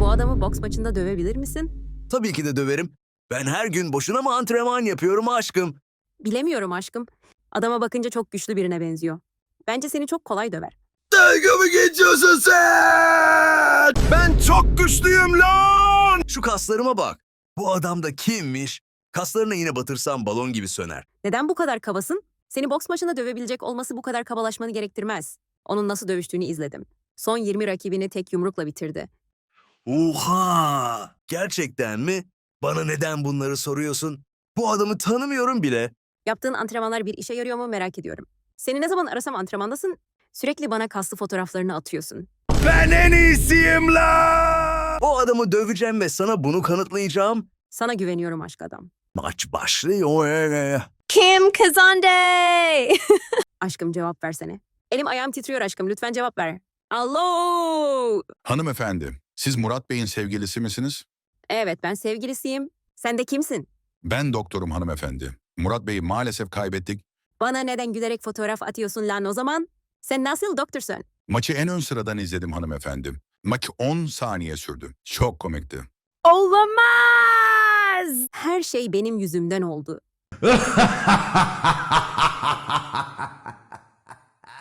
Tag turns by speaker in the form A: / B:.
A: Bu adamı boks maçında dövebilir misin?
B: Tabii ki de döverim. Ben her gün boşuna mı antrenman yapıyorum aşkım?
A: Bilemiyorum aşkım. Adama bakınca çok güçlü birine benziyor. Bence seni çok kolay döver.
B: Dalga mı geçiyorsun sen? Ben çok güçlüyüm lan! Şu kaslarıma bak. Bu adam da kimmiş? Kaslarına yine batırsam balon gibi söner.
A: Neden bu kadar kabasın? Seni boks maçında dövebilecek olması bu kadar kabalaşmanı gerektirmez. Onun nasıl dövüştüğünü izledim. Son 20 rakibini tek yumrukla bitirdi.
B: Oha! Gerçekten mi? Bana neden bunları soruyorsun? Bu adamı tanımıyorum bile.
A: Yaptığın antrenmanlar bir işe yarıyor mu merak ediyorum. Seni ne zaman arasam antrenmandasın, sürekli bana kaslı fotoğraflarını atıyorsun.
B: Ben en iyisiyim lan! O adamı döveceğim ve sana bunu kanıtlayacağım.
A: Sana güveniyorum aşk adam.
B: Maç başlıyor.
A: Kim kazandı? Aşkım cevap versene. Elim ayağım titriyor aşkım, lütfen cevap ver. Alo!
C: Hanımefendi, siz Murat Bey'in sevgilisi misiniz?
A: Evet, ben sevgilisiyim. Sen de kimsin?
C: Ben doktorum hanımefendi. Murat Bey'i maalesef kaybettik.
A: Bana neden gülerek fotoğraf atıyorsun lan o zaman? Sen nasıl doktorsun?
C: Maçı en ön sıradan izledim hanımefendi. Maç 10 saniye sürdü. Çok komikti.
A: Olamaz! Her şey benim yüzümden oldu.